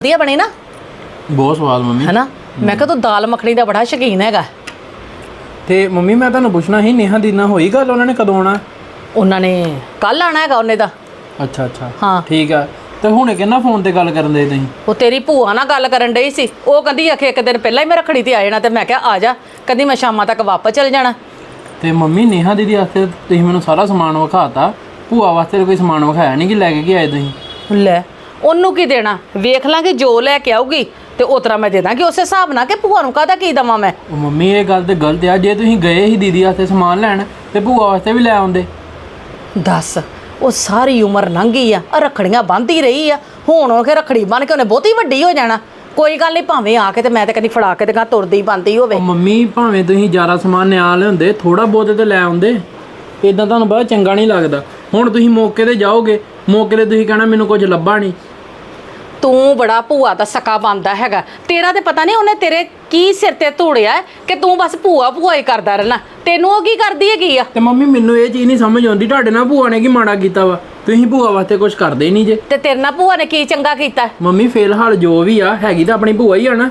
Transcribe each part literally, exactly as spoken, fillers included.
ਵਧੀਆ ਬਣੀ ਨਾ ਬਹੁਤ ਸਵਾਦ ਮੰਮੀ ਹੈ ਨਾ। ਮੈਂ ਕਿਹਾ ਤੂੰ ਦਾਲ ਮੱਖਣੀ ਦਾ ਬੜਾ ਸ਼ੌਕੀਨ ਹੈਗਾ। ਤੇ ਮੰਮੀ ਮੈਂ ਤੁਹਾਨੂੰ ਪੁੱਛਣਾ ਸੀ ਨੇਹਾ ਦੀ ਨਾਲ ਹੋਈ ਗੱਲ, ਉਹਨਾਂ ਨੇ ਕਦੋਂ ਆਉਣਾ? ਉਹਨਾਂ ਨੇ ਕੱਲ ਆਣਾ ਹੈਗਾ ਉਹਨੇ ਦਾ। ਅੱਛਾ ਅੱਛਾ ਹਾਂ ਠੀਕ ਆ। ਤੇ ਹੁਣੇ ਕਿੰਨਾ ਫੋਨ ਤੇ ਗੱਲ ਕਰਨ ਦੇ ਤੁਸੀਂ? ਉਹ ਤੇਰੀ ਭੂਆ ਨਾਲ ਗੱਲ ਕਰਨ ਡਈ ਸੀ। ਉਹ ਕਹਿੰਦੀ ਆਖੇ ਇੱਕ ਦਿਨ ਪਹਿਲਾਂ ਹੀ ਮੈਂ ਰੱਖੜੀ ਤੇ ਆ ਜਾਣਾ, ਤੇ ਮੈਂ ਕਿਹਾ ਆ ਜਾ। ਕਹਿੰਦੀ ਮੈਂ ਸ਼ਾਮਾਂ ਤੱਕ ਵਾਪਸ ਚਲ ਜਾਣਾ। ਤੇ ਮੰਮੀ ਨੇਹਾ ਦੀਦੀ ਵਾਸਤੇ ਤੁਸੀਂ ਮੈਨੂੰ ਸਾਰਾ ਸਮਾਨ ਵਿਖਾਤਾ, ਭੂਆ ਵਾਸਤੇ ਕੋਈ ਸਮਾਨ ਵਿਖਾਇਆ ਨਹੀਂ ਕਿ ਲੈ ਕੇ ਕੀ ਆਏ ਤੁਸੀਂ? ਲੈ ਉਹਨੂੰ ਕੀ ਦੇਣਾ, ਵੇਖ ਲਾਂਗੇ ਜੋ ਲੈ ਕੇ ਆਊਗੀ ਤੇ ਉਸ ਤਰ੍ਹਾਂ ਮੈਂ ਦੇ ਦਾਂਗੀ ਉਸੇ ਹਿਸਾਬ ਨਾਲ। ਕਿ ਭੂਆ ਨੂੰ ਕਾਹਦਾ ਕੀ ਦੇਵਾਂ ਮੈਂ? ਉਹ ਮੰਮੀ ਇਹ ਗੱਲ ਤੇ ਗਲਤ ਆ। ਜੇ ਤੁਸੀਂ ਗਏ ਸੀ ਦੀਦੀ ਵਾਸਤੇ ਸਮਾਨ ਲੈਣ ਤੇ ਭੂਆ ਵਾਸਤੇ ਵੀ ਲੈ ਆਉਂਦੇ। ਦੱਸ ਉਹ ਸਾਰੀ ਉਮਰ ਲੰਘ ਗਈ ਆ, ਰੱਖੜੀਆਂ ਬੰਨ੍ਹਦੀ ਰਹੀ ਆ। ਹੁਣ ਉਹ ਕਿ ਰੱਖੜੀ ਬੰਨ੍ਹ ਕੇ ਉਹਨੇ ਬਹੁਤੀ ਵੱਡੀ ਹੋ ਜਾਣਾ। ਕੋਈ ਗੱਲ ਨਹੀਂ, ਭਾਵੇਂ ਆ ਕੇ ਤੇ ਮੈਂ ਤੇ ਕਹਿੰਦੀ ਫੜਾ ਕੇ ਤੇ ਗਾ ਤੁਰਦੀ ਬੰਦੀ ਹੋਵੇ। ਮੰਮੀ ਭਾਵੇਂ ਤੁਸੀਂ ਜ਼ਿਆਦਾ ਸਮਾਨ ਨਿਆ ਲਿਆਉਂਦੇ, ਥੋੜਾ ਬਹੁਤ ਤੇ ਲੈ ਆਉਂਦੇ। ਇਦਾਂ ਤੁਹਾਨੂੰ ਬੜਾ ਚੰਗਾ ਨਹੀਂ ਲੱਗਦਾ। ਹੁਣ ਤੁਸੀਂ ਮੌਕੇ ਤੇ ਜਾਓਗੇ, ਮੌਕੇ ਤੇ ਤੁਸੀਂ ਕਹਿਣਾ ਮੈਨੂੰ ਕੁਝ ਲੱਭਾ ਨਹੀਂ। ਤੂੰ ਬੜਾ ਭੂਆ ਦਾ ਸਕਾ ਬਣਦਾ ਹੈਗਾ। ਤੇਰਾ ਤੇ ਪਤਾ ਨਹੀਂ ਉਹਨੇ ਤੇਰੇ ਕੀ ਸਿਰ ਤੇ ਧੂੜਿਆ ਕਿ ਤੂੰ ਬਸ ਭੂਆ ਭੂਆ ਹੀ ਕਰਦਾ ਰਹਿਣਾ। ਤੈਨੂੰ ਉਹ ਕੀ ਕਰਦੀ ਹੈਗੀ ਆ? ਤੇ ਮੰਮੀ ਮੈਨੂੰ ਇਹ ਚੀਜ਼ ਨਹੀਂ ਸਮਝ ਆਉਂਦੀ, ਤੁਹਾਡੇ ਨਾਲ ਭੂਆ ਨੇ ਕੀ ਮਾੜਾ ਕੀਤਾ ਵਾ? ਤੁਸੀਂ ਭੂਆ ਵਾਸਤੇ ਕੁਝ ਕਰਦੇ ਹੀ ਨਹੀਂ ਜੇ। ਤੇ ਤੇਰੇ ਨਾਲ ਭੂਆ ਨੇ ਕੀ ਚੰਗਾ ਕੀਤਾ? ਮੰਮੀ ਫਿਲਹਾਲ ਜੋ ਵੀ ਆ ਹੈਗੀ ਤਾਂ ਆਪਣੀ ਭੂਆ ਹੀ ਆ ਨਾ।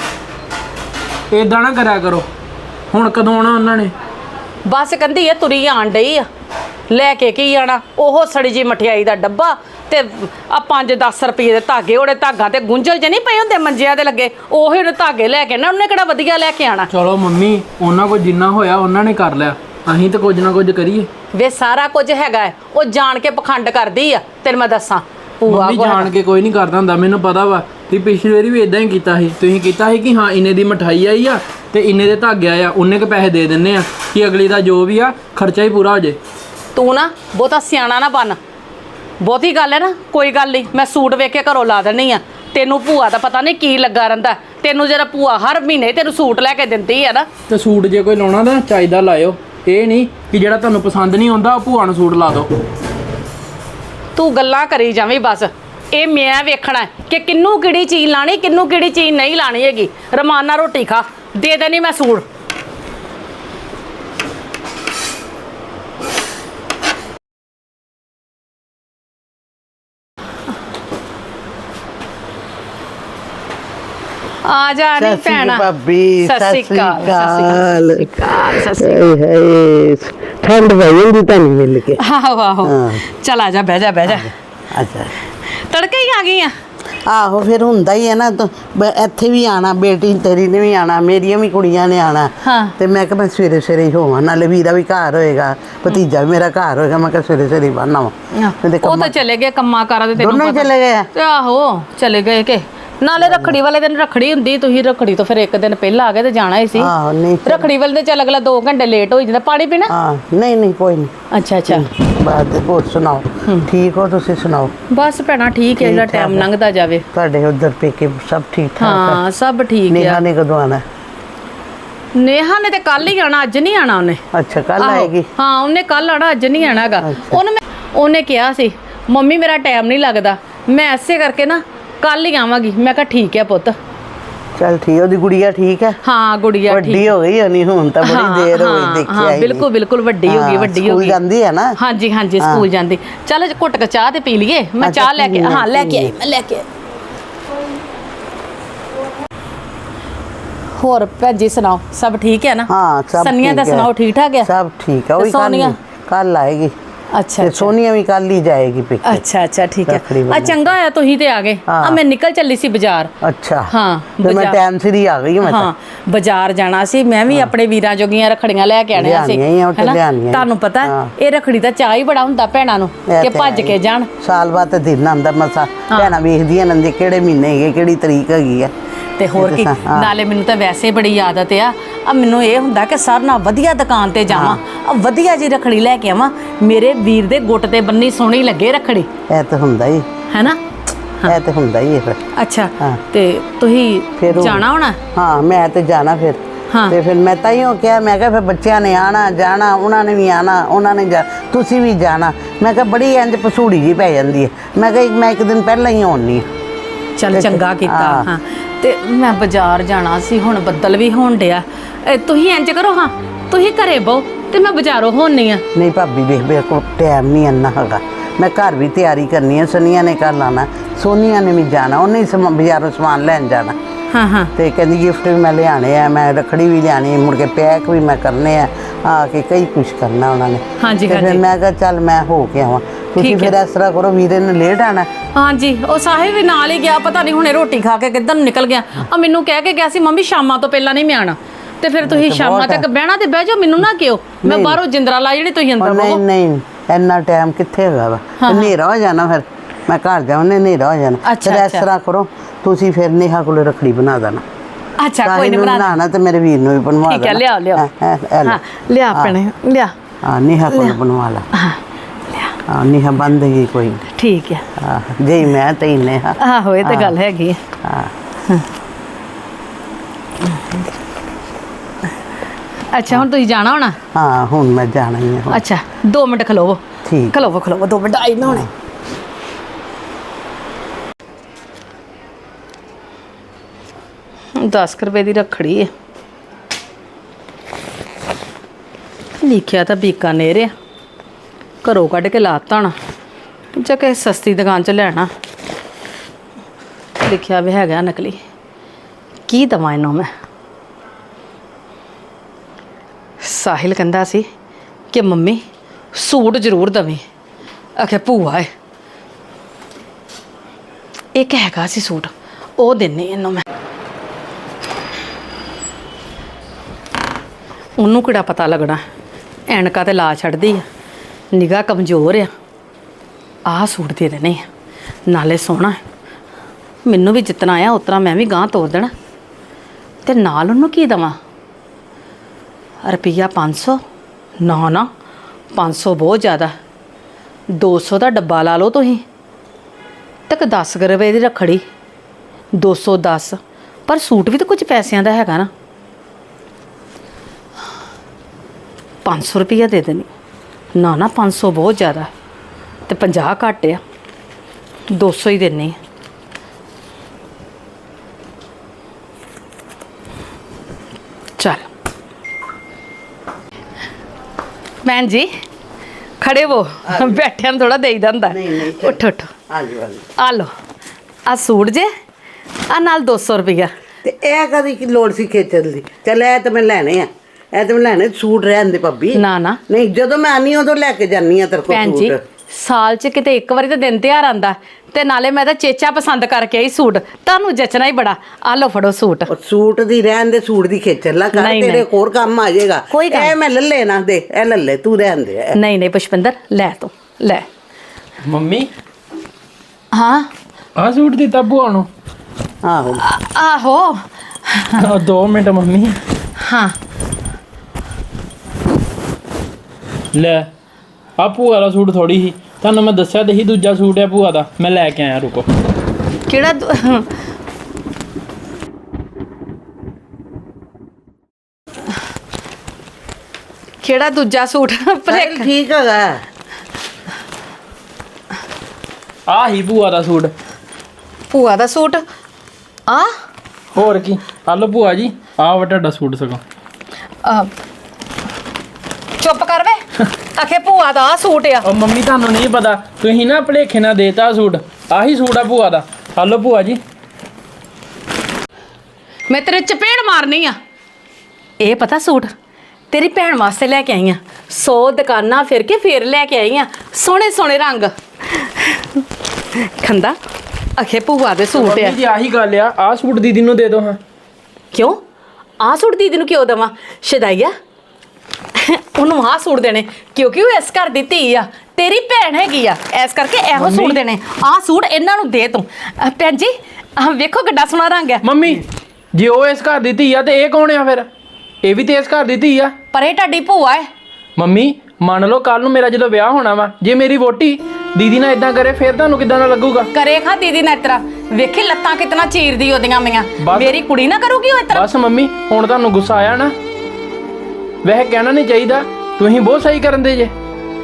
ਏਦਾਂ ਨਾ ਕਰਿਆ ਕਰੋ। ਹੁਣ ਕਦੋਂ ਆਉਣਾ ਉਹਨਾਂ ਨੇ? ਬਸ ਕਹਿੰਦੀ ਆ ਤੁਰੀ ਆਣ ਡਈ ਆ। ਲੈ ਕੇ ਕੀ ਆਣਾ? ਉਹ ਸੜੀ ਜੀ ਮਠਿਆਈ ਦਾ ਡੱਬਾ ਤੇ ਆ ਪੰਜ ਦਸ ਰੁਪਏ ਦੇ ਧਾਗੇ। ਉਹਦੇ ਧਾਗਾ ਤੇ ਗੁੰਝਲ ਜੇ ਨਹੀਂ ਪਏ ਹੁੰਦੇ ਮੰਜਿਆਂ ਦੇ ਲੱਗੇ, ਉਹੀ ਉਹਨੇ ਧਾਗੇ ਲੈ ਕੇ ਨਾ। ਉਹਨੇ ਕਿਹੜਾ ਵਧੀਆ ਲੈ ਕੇ ਆਣਾ? ਚਲੋ ਮੰਮੀ ਉਹਨਾਂ ਕੋਲ ਜਿੰਨਾ ਹੋਇਆ ਉਹਨਾਂ ਨੇ ਕਰ ਲਿਆ, ਅਸੀਂ ਤਾਂ ਕੁਝ ਨਾ ਕੁਝ ਕਰੀਏ। ਵੇ ਸਾਰਾ ਕੁਝ ਹੈਗਾ ਹੈ। ਉਹ ਜਾਣ ਕੇ ਪਖੰਡ ਕਰਦੀ ਆ, ਤੈਨੂੰ ਮੈਂ ਦੱਸਾਂ। ਭੂਆ ਮੰਮੀ ਜਾਣ ਕੇ ਕੋਈ ਨਹੀਂ ਕਰਦਾ ਹੁੰਦਾ, ਮੈਨੂੰ ਪਤਾ ਵਾ। ਤੁਸੀਂ ਪਿਛਲੀ ਵਾਰੀ ਵੀ ਇਦਾਂ ਹੀ ਕੀਤਾ ਸੀ। ਤੁਸੀਂ ਕੀਤਾ ਸੀ ਕਿ ਹਾਂ ਇੰਨੇ ਦੀ ਮਠਾਈ ਆਈ ਆ ਤੇ ਇੰਨੇ ਦੇ ਧਾਗੇ ਆਏ ਆ, ਉਹਨੇ ਕੁ ਪੈਸੇ ਦੇ ਦਿੰਨੇ ਆ ਕਿ ਅਗਲੀ ਦਾ ਜੋ ਵੀ ਆ ਖਰਚਾ ਹੀ ਪੂਰਾ ਹੋ ਜੇ। ਤੂੰ ਨਾ ਬਹੁਤਾ ਸਿਆਣਾ ਨਾ ਬਣ। ਬਹੁਤੀ ਗੱਲ ਹੈ ਨਾ, ਕੋਈ ਗੱਲ ਨਹੀਂ, ਮੈਂ ਸੂਟ ਵੇਖ ਕੇ ਘਰੋਂ ਲਾ ਦੇਣੀ ਆ। ਤੈਨੂੰ ਭੂਆ ਦਾ ਪਤਾ ਨਹੀਂ ਕੀ ਲੱਗਾ ਰਹਿੰਦਾ। ਤੈਨੂੰ ਜਿਹੜਾ ਭੂਆ ਹਰ ਮਹੀਨੇ ਤੈਨੂੰ ਸੂਟ ਲੈ ਕੇ ਦਿੰਦੀ ਆ ਨਾ। ਤੇ ਸੂਟ ਜੇ ਕੋਈ ਲਾਉਣਾ ਤਾਂ ਚਾਹੀਦਾ ਲਾਇਓ, ਇਹ ਨਹੀਂ ਕਿ ਜਿਹੜਾ ਤੁਹਾਨੂੰ ਪਸੰਦ ਨਹੀਂ ਆਉਂਦਾ ਉਹ ਭੂਆ ਨੂੰ ਸੂਟ ਲਾ ਦਿਓ। ਤੂੰ ਗੱਲਾਂ ਕਰੀ ਜਾਵੇਂ ਬਸ। ਇਹ ਮੈਂ ਵੇਖਣਾ ਕਿ ਕਿੰਨੂੰ ਕਿਹੜੀ ਚੀਜ਼ ਲਾਣੀ, ਕਿੰਨੂੰ ਕਿਹੜੀ ਚੀਜ਼ ਨਹੀਂ ਲਾਣੀ ਹੈਗੀ। ਰਮਾਨ ਨਾਲ ਰੋਟੀ ਖਾ, ਦੇ ਦੇਣੀ ਮੈਂ ਸੂਟ। ਆ ਜਾ ਨੀ ਭੈਣਾ। ਭਾਬੀ ਸਤਿ ਸ਼੍ਰੀ ਅਕਾਲ। ਸਤਿ ਸ਼੍ਰੀ ਅਕਾਲ। ਸਤਿ ਸ਼੍ਰੀ ਅਕਾਲ। ਹਾਏ ਠੰਡ ਪਈ ਜਾਂਦੀ ਤੁਹਾਨੂੰ ਮਿਲ ਕੇ। ਆਹੋ ਆਹੋ, ਚਲ ਆ ਜਾ, ਬਹਿ ਜਾ ਬਹਿ ਜਾ। ਅੱਛਾ ਤੜਕੇ ਹੀ ਆ ਗਈ ਆ। ਆਹੋ ਫਿਰ ਹੁੰਦਾ ਹੀ ਹੈ ਨਾ। ਇੱਥੇ ਵੀ ਆਣਾ, ਬੇਟੀ ਤੇਰੀ ਨੇ ਵੀ ਆਣਾ, ਮੇਰੀਆਂ ਵੀ ਕੁੜੀਆਂ ਨੇ ਆਣਾ। ਤੇ ਮੈਂ ਕਿਹਾ ਮੈਂ ਸਵੇਰੇ ਸਵੇਰੇ ਹੀ ਹੋਵਾਂ, ਨਾਲੇ ਵੀਰਾ ਵੀ ਘਰ ਹੋਏਗਾ, ਭਤੀਜਾ ਵੀ ਮੇਰਾ ਘਰ ਹੋਏਗਾ। ਮੈਂ ਕਿਹਾ ਸਵੇਰੇ ਸਵੇਰੇ ਬੰਨਾ ਵਾ। ਉਹ ਤਾਂ ਚਲੇ ਗਏ ਕੰਮਾਂ ਕਾਰਾਂ ਦੇ। ਤੈਨੂੰ ਦੋਨੋਂ ਹੀ ਚਲੇ ਗਏ? ਆਹੋ ਚਲੇ ਗਏ। ਕਿ ਨਾਲੇ ਰੱਖੜੀ ਵਾਲੇ ਦਿਨ ਰੱਖੜੀ ਹੁੰਦੀ, ਤੁਸੀਂ ਰੱਖੜੀ ਤੋਂ ਫਿਰ ਇੱਕ ਦਿਨ ਪਹਿਲਾਂ ਆ ਗਏ ਤੇ ਜਾਣਾ ਹੀ ਸੀ। ਆਹੋ ਨਹੀਂ ਰੱਖੜੀ ਵਾਲੇ ਦਿਨ ਚੱਲ ਅਗਲਾ ਦੋ ਘੰਟੇ ਲੇਟ ਹੋ ਜਾਂਦਾ। ਪਾਣੀ ਪੀਣਾ? ਹਾਂ ਨਹੀਂ ਨਹੀਂ ਕੋਈ ਨਹੀਂ। ਅੱਛਾ ਅੱਛਾ। ਬਾਤ ਹੋਰ ਸੁਣਾਓ, ਠੀਕ ਹੋ ਤੁਸੀਂ? ਸੁਣਾਓ। ਬਸ ਭੈਣਾ ਠੀਕ ਹੈ, ਜਿਹੜਾ ਟਾਈਮ ਲੰਘਦਾ ਜਾਵੇ। ਤੁਹਾਡੇ ਉਧਰ ਪੇਕੇ ਸਭ ਠੀਕ ਠਾਕ? ਹਾਂ ਸਭ ਠੀਕ ਹੈ। ਨੇਹਾ ਨੇ ਕਦੋਂ ਆਣਾ? ਨੇਹਾ ਨੇ ਤੇ ਕੱਲ ਹੀ ਆਣਾ, ਅੱਜ ਨਹੀਂ ਆਣਾ ਉਹਨੇ। ਅੱਛਾ ਕੱਲ ਆਏਗੀ? ਹਾਂ ਉਹਨੇ ਕੱਲ ਆਣਾ, ਅੱਜ ਨਹੀਂ ਆਣਾਗਾ। ਉਹਨੇ ਉਹਨੇ ਕਿਹਾ ਸੀ ਮੰਮੀ ਮੇਰਾ ਟਾਈਮ ਨਹੀਂ ਲੱਗਦਾ, ਮੈਂ ਐਸੇ ਕਰਕੇ ਨਾ ਕੱਲ ਹੀ ਆਵਾਂਗੀ। ਮੈਂ ਕਿਹਾ ਠੀਕ ਹੈ ਪੁੱਤ। ਚਲ ਠੀਕ। ਉਹਦੀ ਗੁੜੀਆ ਠੀਕ ਹੈ? ਹਾਂ ਗੁੜੀਆ ਠੀਕ। ਵੱਡੀ ਹੋ ਗਈ ਹੋਣੀ ਹੁਣ ਤਾਂ, ਬੜੀ ਦੇਰ ਹੋ ਗਈ ਦੇਖੀ ਆਈ। ਬਿਲਕੁਲ ਬਿਲਕੁਲ ਵੱਡੀ ਹੋ ਗਈ, ਵੱਡੀ ਹੋ ਗਈ। ਸਕੂਲ ਜਾਂਦੀ ਹੈ ਨਾ? ਹਾਂਜੀ ਹਾਂਜੀ ਸਕੂਲ ਜਾਂਦੀ। ਚੱਲ ਘੁੱਟ ਕੇ ਚਾਹ ਤੇ ਪੀ ਲਈਏ। ਮੈਂ ਚਾਹ ਲੈ ਕੇ ਹਾਂ ਲੈ ਕੇ ਆਈ, ਮੈਂ ਲੈ ਕੇ ਆਈ। ਹੋਰ ਭੈਜੀ ਸੁਣਾਓ, ਸਭ ਠੀਕ ਹੈ ਨਾ? ਹਾਂ ਸਭ ਠੀਕ। ਸੰਨੀਆ ਦਾ ਸੁਣਾਓ, ਠੀਕ ਠਾਕ ਹੈ? ਸਭ ਠੀਕ ਹੈ। ਉਹ ਸੋਨੀਆ ਕੱਲ ਆਏਗੀ। ਅੱਛਾ ਤੇ ਸੋਨੀਆ ਵੀ ਕੱਲ ਹੀ ਜਾਏਗੀ ਪੇਕੇ। ਅੱਛਾ ਅੱਛਾ ਠੀਕ ਹੈ। ਆ ਚੰਗਾ ਆ ਤੁਸੀਂ ਤੇ ਆ ਗਏ। ਆ ਮੈਂ ਨਿਕਲ ਚੱਲੀ ਸੀ ਬਾਜ਼ਾਰ। ਅੱਛਾ ਹਾਂ ਤੇ ਮੈਂ ਟਾਈਮ ਸਿਰ ਹੀ ਆ ਗਈ। ਮੈਂ ਹਾਂ ਬਾਜ਼ਾਰ ਜਾਣਾ ਸੀ। ਮੈਂ ਵੀ ਆਪਣੇ ਵੀਰਾਂ ਜੋਗੀਆਂ ਰੱਖੜੀਆਂ ਲੈ ਕੇ ਆਣੀਆਂ ਸੀ। ਤੁਹਾਨੂੰ ਪਤਾ ਇਹ ਰੱਖੜੀ ਦਾ ਚਾਹ ਹੀ ਬੜਾ ਹੁੰਦਾ ਭੈਣਾਂ ਨੂੰ ਕਿ ਭੱਜ ਕੇ ਜਾਣ। ਸਾਲ ਬਾਅਦ ਤੇ ਦਿਨ ਆਉਂਦਾ ਮਸਾ, ਭੈਣਾਂ ਵੇਖਦੀਆਂ ਨੰਦੇ ਕਿਹੜੇ ਮਹੀਨੇ ਹੈਗੇ, ਕਿਹੜੀ ਤਰੀਕ ਹੈਗੀ ਆ। ਤੇ ਹੋਰ ਕੀ, ਨਾਲੇ ਮੈਨੂੰ ਤਾਂ ਵੈਸੇ ਬੜੀ ਆਦਤ ਆ। ਆ ਮੈਨੂੰ ਇਹ ਹੁੰਦਾ ਕਿ ਸਾਰਿਆਂ ਨਾਲ ਵਧੀਆ ਦੁਕਾਨ ਤੇ ਜਾਵਾਂ, ਆ ਵਧੀਆ ਜੀ ਰੱਖੜੀ ਲੈ ਕੇ ਆਵਾਂ, ਮੇਰੇ ਵੀਰ ਦੇ ਗੁੱਟ ਤੇ ਬੰਨੀ ਸੋਹਣੀ ਲੱਗੇ ਰੱਖੜੀ। ਇਹ ਤਾਂ ਹੁੰਦਾ ਹੀ ਹੈ ਨਾ, ਇਹ ਤਾਂ ਹੁੰਦਾ ਹੀ ਹੈ ਫਿਰ। ਅੱਛਾ ਤੇ ਤੁਸੀਂ ਜਾਣਾ ਹੋਣਾ? ਹਾਂ ਮੈਂ ਤੇ ਜਾਣਾ ਫਿਰ। ਤੇ ਫਿਰ ਮੈਂ ਤਾਂ ਹੀ ਕਿਹਾ, ਮੈਂ ਕਿਹਾ ਫਿਰ ਬੱਚਿਆਂ ਨੇ ਆਣਾ ਜਾਣਾ, ਉਹਨਾਂ ਨੇ ਵੀ ਆਣਾ, ਉਹਨਾਂ ਨੇ ਜਾ ਤੁਸੀਂ ਵੀ ਜਾਣਾ। ਮੈਂ ਕਿਹਾ ਬੜੀ ਇੰਜ ਪਸੂੜੀ ਜੀ ਪੈ ਜਾਂਦੀ ਹੈ। ਮੈਂ ਕਿਹਾ ਮੈਂ ਇੱਕ ਦਿਨ ਪਹਿਲਾਂ ਹੀ ਆਉਣੀ ਆ। ਚੱਲ ਚੰਗਾ ਕੀਤਾ। ਹਾਂ ਤੇ ਮੈਂ ਬਾਜ਼ਾਰ ਜਾਣਾ ਸੀ, ਹੁਣ ਬੱਦਲ ਵੀ ਹੋਣ ਡਿਆ। ਤੁਸੀਂ ਇੰਜ ਕਰੋ, ਹਾਂ ਤੁਸੀਂ ਘਰੇ ਬਹੋ ਤੇ ਮੈਂ ਬਾਜ਼ਾਰੋਂ ਹੋਣੀ ਆ। ਨਹੀਂ ਭਾਬੀ ਵੇਖ ਮੇਰੇ ਕੋਲ ਟਾਈਮ ਨਹੀਂ ਇੰਨਾ ਹੈਗਾ। ਮੈਂ ਘਰ ਵੀ ਤਿਆਰੀ ਕਰਨੀ ਹੈ। ਸਨੀਆ ਨੇ ਘਰ ਲਾਣਾ, ਸੋਨੀਆ ਨੇ ਵੀ ਜਾਣਾ, ਉਹਨੇ ਹੀ ਸਮ ਬਾਜ਼ਾਰੋਂ ਸਮਾਨ ਲੈਣ ਜਾਣਾ। ਹਾਂ ਹਾਂ ਤੇ ਕਹਿੰਦੀ ਗਿਫਟ ਵੀ ਮੈਂ ਲਿਆਣੇ ਆ, ਮੈਂ ਰੱਖੜੀ ਵੀ ਲਿਆਣੀ, ਮੁੜ ਕੇ ਪੈਕ ਵੀ ਮੈਂ ਕਰਨੇ ਆ, ਆ ਕੇ ਕਈ ਕੁਛ ਕਰਨਾ ਉਹਨਾਂ ਨੇ। ਹਾਂਜੀ, ਤੇ ਫਿਰ ਹਾਂਜੀ। ਮੈਂ ਕਿਹਾ ਚੱਲ ਮੈਂ ਹੋ ਕੇ ਆਵਾਂ। ਤੁਸੀਂ ਠੀਕ ਹੈ। ਫਿਰ ਇਸ ਤਰ੍ਹਾਂ ਕਰੋ, ਵੀਰੇ ਨੇ ਲੇਟ ਆਣਾ। ਹਾਂਜੀ, ਉਹ ਸਾਹਿਲ ਵੀ ਨਾਲ ਹੀ ਗਿਆ, ਪਤਾ ਨਹੀਂ ਹੁਣੇ ਰੋਟੀ ਖਾ ਕੇ ਕਿੱਧਰ ਨੂੰ ਨਿਕਲ ਗਿਆ। ਆ ਮੈਨੂੰ ਕਹਿ ਕੇ ਗਿਆ ਸੀ ਮੰਮੀ ਸ਼ਾਮਾਂ ਤੋਂ ਪਹਿਲਾਂ ਨਹੀਂ ਮੈਂ ਆਣਾ, ਤੇ ਫਿਰ ਤੁਸੀਂ ਸ਼ਾਮਾਂ ਤੱਕ ਬਹਿਣਾ ਤੇ ਬਹਿ ਜਾਓ, ਮੈਨੂੰ ਨਾ ਕਿਉਂ, ਮੈਂ ਬਾਹਰੋਂ ਜਿੰਦਰਾ ਲਾ ਜਿਹੜੀ ਤੁਸੀਂ ਅੰਦਰ ਨਹੀਂ ਬਹੋ। ਨਹੀਂ ਇੰਨਾ ਟਾਈਮ ਕਿੱਥੇ ਹੈਗਾ ਵਾ, ਹਨੇਰਾ ਹੋ ਜਾਣਾ, ਫਿਰ ਮੈਂ ਘਰ ਜਾਉਣੇ ਹਨੇਰਾ ਹੋ ਜਾਣਾ। ਅੱਛਾ, ਫਿਰ ਇਸ ਅੱਛਾ। ਤਰ੍ਹਾਂ ਕਰੋ, ਤੁਸੀਂ ਫਿਰ ਨੇਹਾ ਕੋਲ ਰੱਖੜੀ ਬਣਾ ਦੇਣਾ। ਅੱਛਾ ਕੋਈ ਸਾਹਿਲ ਨਹੀਂ ਨੂੰ ਬਣਾ ਬਣਾਉਣਾ ਤੇ ਮੇਰੇ ਵੀਰ ਨੂੰ ਵੀ ਬਣਵਾ ਦੇਣਾ। ਠੀਕ ਹੈ, ਲਿਆਓ ਲਿਆਓ। ਹੈਂ, ਹੈਂ, ਇਹ ਲੈ। ਹਾਂ ਲਿਆ ਭੈਣੇ ਲਿਆ। ਹਾਂ ਨੇਹਾ ਕੋਲ ਬਣਵਾ ਲਾ। ਹਾਂ ਲਿਆ, ਹਾਂ ਨੇਹਾ ਬੰਦ ਗਈ ਕੋਈ ਨਹੀਂ। ਠੀਕ ਹੈ। ਹਾਂ ਜੇ ਮੈਂ ਤੇ ਹੀ ਨੇਹਾ। ਆਹੋ ਇਹ ਤਾਂ ਗੱਲ ਹੈਗੀ ਹੈ। ਹਾਂ ਅੱਛਾ ਹੁਣ ਤੁਸੀਂ ਜਾਣਾ ਹੋਣਾ। ਹਾਂ ਹੁਣ ਮੈਂ ਜਾਣਾ ਹੀ ਹੈ ਹੁਣ। ਅੱਛਾ ਦੋ ਮਿੰਟ ਖਲੋਵੋ। ਠੀਕ। ਖਲੋਵੋ ਖਲੋਵੋ ਦੋ ਮਿੰਟ, ਆਈ ਨਾ ਹੁਣੇ। ਦਸ ਕੁ ਰੁਪਏ ਦੀ ਰੱਖੜੀ ਹੈ, ਲਿਖਿਆ ਤਾਂ ਬੀਕਾਨੇਰ ਆ, ਘਰੋਂ ਕੱਢ ਕੇ ਲਾਤਾ ਹੋਣਾ ਜਾਂ ਕਿਸੇ ਸਸਤੀ ਦੁਕਾਨ 'ਚ ਲੈਣਾ। ਲਿਖਿਆ ਵੀ ਹੈਗਾ ਨਕਲੀ, ਕੀ ਦਵਾਂ ਇਹਨੂੰ ਮੈਂ। ਸਾਹਿਲ ਕਹਿੰਦਾ ਸੀ ਕਿ ਮੰਮੀ ਸੂਟ ਜ਼ਰੂਰ ਦਵੀਂ, ਆਖਿਆ ਭੂਆ ਹੈ ਇੱਕ ਹੈਗਾ ਸੀ ਸੂਟ, ਉਹ ਦਿੰਨੀ ਇਹਨੂੰ ਮੈਂ। ਉਹਨੂੰ ਕਿਹੜਾ ਪਤਾ ਲੱਗਣਾ, ਐਨਕਾਂ ਤੇ ਲਾ ਛੱਡਦੀ ਆ, ਨਿਗਾਹ ਕਮਜ਼ੋਰ ਆ। ਆਹ ਸੂਟ ਦੇ ਦੇਣੇ ਆ, ਨਾਲੇ ਸੋਹਣਾ, ਮੈਨੂੰ ਵੀ ਜਿਤਨਾ ਆਇਆ ਉਤਨਾ ਮੈਂ ਵੀ ਗਾਂਹ ਤੋਰ ਦੇਣਾ। ਤੇ ਨਾਲ ਉਹਨੂੰ ਕੀ ਦੇਵਾਂ, ਰੁਪਈਆ ਪੰਜ ਸੌ? ਨਾ ਨਾ ਪੰਜ ਸੌ ਬਹੁਤ ਜ਼ਿਆਦਾ, ਦੋ ਸੌ ਦਾ ਡੱਬਾ ਲਾ ਲਓ ਤੁਸੀਂ, ਤੱਕ ਦਸ ਕੁ ਰੁਪਏ ਦੀ ਰੱਖੜੀ, ਦੋ ਸੌ ਦਸ, ਪਰ ਸੂਟ ਵੀ ਤਾਂ ਕੁਝ ਪੈਸਿਆਂ ਦਾ ਹੈਗਾ ਨਾ। ਪੰਜ ਸੌ ਰੁਪਈਆ ਦੇ ਦੇਣੀ। ਨਾ ਨਾ ਪੰਜ ਸੌ ਬਹੁਤ ਜ਼ਿਆਦਾ, ਤੇ ਪੰਜਾਹ ਘੱਟ ਆ, ਦੋ ਸੌ ਹੀ ਦੇਣੀ। ਚੱਲ ਭੈਣ ਜੀ ਖੜੇ ਹੋ, ਬੈਠਿਆਂ ਨੂੰ ਥੋੜਾ ਦੇਈ ਜਾਂਦਾ। ਨਹੀਂ, ਨਹੀਂ, ਉੱਠ ਉੱਠ, ਆ ਜਾਓ ਆ ਜਾਓ। ਆ ਲਓ ਆ ਸੂਟ ਜੇ, ਆ ਨਾਲ ਦੋ ਸੌ ਰੁਪਈਆ। ਤੇ ਇਹ ਕਦੀ ਕੀ ਲੋੜ ਸੀ ਖੇਚਣ ਦੀ? ਚੱਲ ਇਹ ਤਾਂ ਮੈਂ ਲੈਣੇ ਆ, ਇਹ ਤਾਂ ਮੈਂ ਲੈਣੇ। ਸੂਟ ਰਹਿਣ ਦੇ ਭਾਬੀ। ਨਾ ਨਾ ਨਹੀਂ ਜਦੋਂ ਮੈਂ ਆਨੀ ਉਦੋਂ ਲੈ ਕੇ ਜਾਨੀ ਆ ਤੇਰੇ ਕੋਲ ਭੈਣ ਜੀ, ਸੂਟ। ਸਾਲ 'ਚ ਕਿਤੇ ਇੱਕ ਵਾਰੀ ਤਾਂ ਦਿਨ ਤਿਉਹਾਰ ਆਂਦਾ, ਤੇ ਨਾਲੇ ਮੈਂ ਤਾਂ ਚੇਚਾ ਪਸੰਦ ਕਰਕੇ ਆਈ ਸੂਟ, ਤੁਹਾਨੂੰ ਜਚਣਾ ਹੀ ਬੜਾ। ਆ ਲਓ ਫੜੋ ਸੂਟ। ਉਹ ਸੂਟ ਦੀ ਰਹਿਣ ਦੇ, ਸੂਟ ਦੀ ਖੇਚਲ ਲਾ ਕਰ, ਨਹੀਂ, ਤੇਰੇ ਨਹੀਂ। ਹੋਰ ਕੰਮ ਆ ਜਾਏਗਾ। ਕੋਈ ਗੱਲ ਇਹ ਮੈਂ ਲੱਲੇ ਨਾ ਦੇ, ਇਹ ਲੱਲੇ ਤੂੰ ਰਹਿਣ ਦੇ ਇਹ। ਨਹੀਂ ਨਹੀਂ ਪੁਸ਼ਪਿੰਦਰ, ਲੈ ਤੂੰ ਲੈ। ਮੰਮੀ ਹਾਂ ਆਹ ਸੂਟ ਦਿੱਤਾ ਭੂਆ ਨੂੰ? ਆਹੋ ਆ- ਆਹੋ ਆਹ ਦੋ ਮਿੰਟ ਮੰਮੀ। ਹਾਂ ਲੈ ਆ ਭੂਆ ਦਾ ਸੂਟ ਥੋੜੀ ਸੀ, ਤੁਹਾਨੂੰ ਮੈਂ ਦੱਸਿਆ ਤੇ ਸੀ ਦੂਜਾ ਸੂਟ ਹੈ ਭੂਆ ਦਾ, ਮੈਂ ਲੈ ਕੇ ਆਇਆ, ਰੁਕੋ। ਕਿਹੜਾ ਦੂ- ਕਿਹੜਾ ਦੂਜਾ ਸੂਟ? ਭੁਲੇਖ- ਠੀਕ ਹੈਗਾ। ਆਹ ਹੀ ਭੂਆ ਦਾ ਸੂਟ। ਭੂਆ ਦਾ ਸੂਟ ਆ? ਹੋਰ ਕੀ, ਆ ਲਓ ਭੂਆ ਜੀ, ਆਹ ਵਾ ਤੁਹਾਡਾ ਸੂਟ ਸਗੋਂ। ਅਹ, ਚੁੱਪ ਕਰ ਵੇ, ਆਖੇ ਭੂਆ ਦਾ ਆਹ ਸੂਟ ਆ। ਉਹ ਮੰਮੀ ਤੁਹਾਨੂੰ ਨਹੀਂ ਪਤਾ, ਤੁਸੀਂ ਨਾ ਭੁਲੇਖੇ ਨਾਲ ਦੇਤਾ ਸੂਟ, ਆਹੀ ਸੂਟ ਆ ਭੂਆ ਦਾ। ਆ ਲਓ ਭੂਆ ਜੀ। ਮੈਂ ਤੇਰੇ ਚਪੇੜ ਮਾਰਨੀ ਆ। ਇਹ ਪਤਾ ਸੂਟ ਤੇਰੀ ਭੈਣ ਵਾਸਤੇ ਲੈ ਕੇ ਆਈ ਆ, ਸੌ ਦੁਕਾਨਾਂ ਫਿਰ ਕੇ ਫੇਰ ਲੈ ਕੇ ਆਈ ਆ, ਸੋਹਣੇ ਸੋਹਣੇ ਰੰਗ। ਖੰਦਾ ਆਖੇ ਭੂਆ ਦੇ ਸੂਟ ਆ। ਮੰਮੀ ਜੀ ਆਹੀ ਗੱਲ ਆ, ਆਹ ਸੂਟ ਦੀਦੀ ਨੂੰ ਦੇ ਦਿਓ ਹਾਂ। ਕਿਉਂ ਆਹ ਸੂਟ ਦੀਦੀ ਨੂੰ ਕਿਉਂ ਦੇਵਾਂ? ਸ਼ਦਾਈਆ, ਉਹਨੂੰ ਆਹ ਸੂਟ ਦੇਣੇ ਕਿਉਂਕਿ ਉਹ ਇਸ ਘਰ ਦੀ ਧੀ ਆ, ਤੇਰੀ ਭੈਣ ਹੈਗੀ ਆ, ਇਸ ਕਰਕੇ ਇਹੋ ਸੂਟ ਦੇਣੇ। ਆਹ ਸੂਟ ਇਹਨਾਂ ਨੂੰ ਦੇ ਤੂੰ। ਅਹ ਭੈਣ ਜੀ ਆਹ ਵੇਖੋ ਕਿੱਡਾ ਸੋਹਣਾ ਰੰਗ ਆ। ਮੰਮੀ ਜੇ ਉਹ ਇਸ ਘਰ ਦੀ ਧੀ ਆ ਤੇ ਇਹ ਕੌਣ ਆ ਫਿਰ? ਇਹ ਵੀ ਤੇ ਇਸ ਘਰ ਦੀ ਧੀ ਆ। ਪਰ ਇਹ ਤੁਹਾਡੀ ਭੂਆ ਹੈ। ਮੰਮੀ ਮੰਨ ਲਓ ਕੱਲ ਨੂੰ ਮੇਰਾ ਜਦੋਂ ਵਿਆਹ ਹੋਣਾ ਵਾ, ਜੇ ਮੇਰੀ ਵੋਟੀ ਦੀਦੀ ਨਾਲ ਇਦਾਂ ਕਰੇ ਫਿਰ ਤੁਹਾਨੂੰ ਕਿਦਾਂ ਦਾ ਲੱਗੂਗਾ? ਕਰੇ ਖਾ ਦੀਦੀ ਨਾ ਇਤਰਾ, ਵੇਖੀ ਲੱਤਾਂ ਕਿਤਨਾ ਚੀਰਦੀ ਉਹਦੀਆਂ ਮੀਆਂ। ਬਸ। ਮੇਰੀ ਕੁੜੀ ਨਾ ਕਰੂਗੀ ਉਹ ਇਤਰਾ। ਬਸ ਮੰਮੀ ਹੁਣ ਤੁਹਾਨੂੰ ਗੁੱਸਾ ਆਇਆ ਨਾ, ਵੈਸੇ ਕਹਿਣਾ ਨਹੀਂ ਚਾਹੀਦਾ, ਤੁਸੀਂ ਬਹੁਤ ਸਹੀ ਕਰਨ ਦੇ ਜੇ।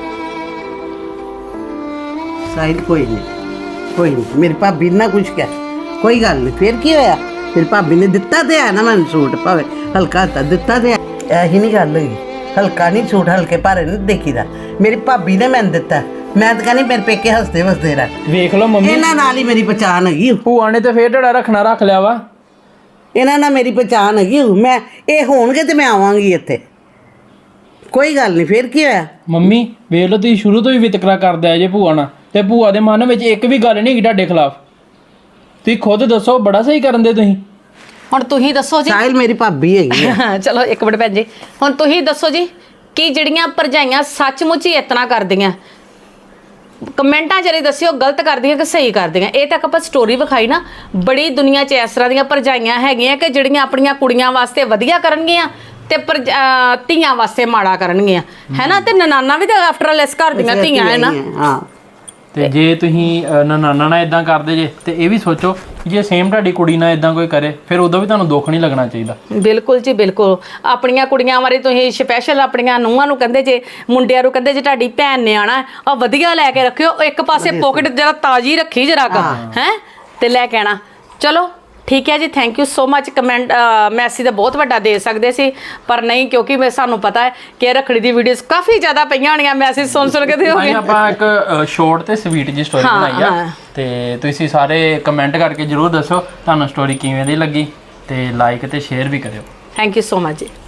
ਸਾਹਿਲ ਕੋਈ ਨਹੀਂ, ਕੋਈ ਨਹੀਂ, ਮੇਰੀ ਭਾਬੀ ਨਾ ਕੁਛ ਕਹਿ, ਕੋਈ ਗੱਲ ਨਹੀਂ। ਫਿਰ ਕੀ ਹੋਇਆ? ਮੇਰੀ ਭਾਬੀ ਨੇ ਦਿੱਤਾ ਤੇ ਆ ਨਾ ਮੈਨੂੰ ਸੂਟ, ਭਾਵੇਂ ਹਲਕਾ ਤਾਂ ਦਿੱਤਾ ਤੇ ਇਹੀ ਨਹੀਂ ਗੱਲ ਹੋਈ। ਹਲਕਾ ਨਹੀਂ ਸੂਟ, ਹਲਕੇ ਭਾਰੇ ਨਹੀਂ ਦੇਖੀਦਾ। ਮੇਰੀ ਭਾਬੀ ਨੇ ਮੈਨੂੰ ਦਿੱਤਾ, ਮੈਂ ਤਾਂ ਕਹਿੰਦੀ ਮੇਰੇ ਪੇਕੇ ਹੱਸਦੇ ਵਸਦੇ ਰਹਿ। ਵੇਖ ਲਓ ਮੰਮੀ, ਇਹਨਾਂ ਨਾਲ ਹੀ ਮੇਰੀ ਪਛਾਣ ਹੈਗੀ ਓ। ਭੂਆ ਨੇ ਤੇ ਫੇਰ ਢੜਾ ਰੱਖਣਾ ਰੱਖ ਲਿਆ ਵਾ। ਇਹਨਾਂ ਨਾਲ ਮੇਰੀ ਪਛਾਣ ਹੈਗੀ ਓ। ਮੈਂ ਇਹ ਹੋਣਗੇ ਤੇ ਮੈਂ ਆਵਾਂਗੀ ਇੱਥੇ, ਕੋਈ ਗੱਲ ਨਹੀਂ। ਫੇਰ ਕੀ ਹੋਇਆ? ਮੰਮੀ ਵੇਖ ਲਓ, ਤੁਸੀਂ ਸ਼ੁਰੂ ਤੋਂ ਹੀ ਵਿਤਕਰਾ ਕਰਦੇ ਆ ਜੇ ਭੂਆ ਨਾਲ, ਤੇ ਭੂਆ ਦੇ ਮਨ ਵਿੱਚ ਇੱਕ ਵੀ ਗੱਲ ਨਹੀਂ ਹੈਗੀ ਤੁਹਾਡੇ ਖਿਲਾਫ। ਤੁਸੀਂ ਖੁਦ ਦੱਸੋ, ਬੜਾ ਸਹੀ ਕਰਨ ਦੇ ਤੁਸੀਂ। ਹੁਣ ਤੁਸੀਂ ਦੱਸੋ ਜੀ। ਸਾਹਿਲ ਮੇਰੀ ਭਾਬੀ ਹੈਗੀ ਆ। ਚਲੋ ਇੱਕ ਮਿੰਟ ਭੈਣ ਜੀ, ਹੁਣ ਤੁਸੀਂ ਦੱਸੋ ਜੀ ਕਿ ਜਿਹੜੀਆਂ ਭਰਜਾਈਆਂ ਸੱਚਮੁੱਚ ਹੀ ਇਤਨਾ ਕਰਦੀਆਂ, ਕਮੈਂਟਾਂ 'ਚ ਦੱਸਿਓ ਗਲਤ ਕਰਦੀਆਂ ਕਿ ਸਹੀ ਕਰਦੀਆਂ। ਇਹ ਤੱਕ ਆਪਾਂ ਸਟੋਰੀ ਵਿਖਾਈ ਨਾ, ਬੜੀ ਦੁਨੀਆ 'ਚ ਇਸ ਤਰ੍ਹਾਂ ਦੀਆਂ ਭਰਜਾਈਆਂ ਹੈਗੀਆਂ ਕਿ ਜਿਹੜੀਆਂ ਆਪਣੀਆਂ ਕੁੜੀਆਂ ਵਾਸਤੇ ਵਧੀਆ ਕਰਨਗੀਆਂ ਤੇ ਪਰ ਧੀਆਂ ਵਾਸਤੇ ਮਾੜਾ ਕਰਨਗੀਆਂ, ਹੈ ਨਾ। ਤੇ ਨਨਾਨਾ ਵੀ ਤਾਂ ਆਫਟਰ ਆਲ ਇਸ ਘਰ ਦੀਆਂ ਧੀਆਂ ਹੈ ਨਾ। ਹਾਂ, ਤੇ ਜੇ ਤੁਸੀਂ ਅ, ਨਾਨਾ ਨਾਲ ਇਦਾਂ ਕਰਦੇ ਜੇ, ਤੇ ਇਹ ਵੀ ਸੋਚੋ ਕਿ ਜੇ ਸੇਮ ਤੁਹਾਡੀ ਕੁੜੀ ਨਾਲ ਇਦਾਂ ਕੋਈ ਕਰੇ, ਫਿਰ ਉਦੋਂ ਵੀ ਤੁਹਾਨੂੰ ਦੁੱਖ ਨਹੀਂ ਲੱਗਣਾ ਚਾਹੀਦਾ। ਬਿਲਕੁਲ ਜੀ ਬਿਲਕੁਲ। ਆਪਣੀਆਂ ਕੁੜੀਆਂ ਬਾਰੇ ਤੁਸੀਂ ਸਪੈਸ਼ਲ ਆਪਣੀਆਂ ਨੂੰਹਾਂ ਨੂੰ ਕਹਿੰਦੇ ਜੇ, ਮੁੰਡਿਆਂ ਨੂੰ ਕਹਿੰਦੇ ਜੇ ਤੁਹਾਡੀ ਭੈਣ ਨੇ ਆਣਾ ਆ ਵਧੀਆ ਲੈ ਕੇ ਰੱਖਿਓ, ਇੱਕ ਪਾਸੇ ਪੋਕਟ ਜਰਾ ਤਾਜ਼ੀ ਰੱਖੀ ਜਰਾ ਕ ਹੈ ਤੇ ਲੈ ਕੇ ਆਣਾ। ਚਲੋ ਠੀਕ ਹੈ ਜੀ, thank you so much. Comment message ਤਾਂ ਬਹੁਤ ਵੱਡਾ ਦੇ ਸਕਦੇ ਸੀ, ਪਰ ਨਹੀਂ, ਕਿਉਂਕਿ ਮੈਂ ਸਾਨੂੰ ਪਤਾ ਹੈ ਕਿ ਰੱਖੜੀ ਦੀ ਵੀਡੀਓਜ਼ ਕਾਫੀ ਜ਼ਿਆਦਾ ਪਈਆਂ ਹੋਣੀਆਂ, ਮੈਸੇਜ ਸੁਣ ਸੁਣ ਕੇ ਤੇ ਹੋ ਗਏ। ਆਪਾਂ ਇੱਕ ਸ਼ਾਰਟ ਤੇ ਸਵੀਟ ਜੀ ਸਟੋਰੀ ਬਣਾਈ ਆ, ਤੇ ਤੁਸੀਂ ਸਾਰੇ ਕਮੈਂਟ ਕਰਕੇ ਜਰੂਰ ਦੱਸੋ ਤੁਹਾਨੂੰ ਸਟੋਰੀ ਕਿਵੇਂ ਦੀ ਲੱਗੀ, ਤੇ ਲਾਈਕ ਤੇ ਸ਼ੇਅਰ ਵੀ ਕਰਿਓ। ਥੈਂਕ ਯੂ ਸੋ ਮਚ ਜੀ।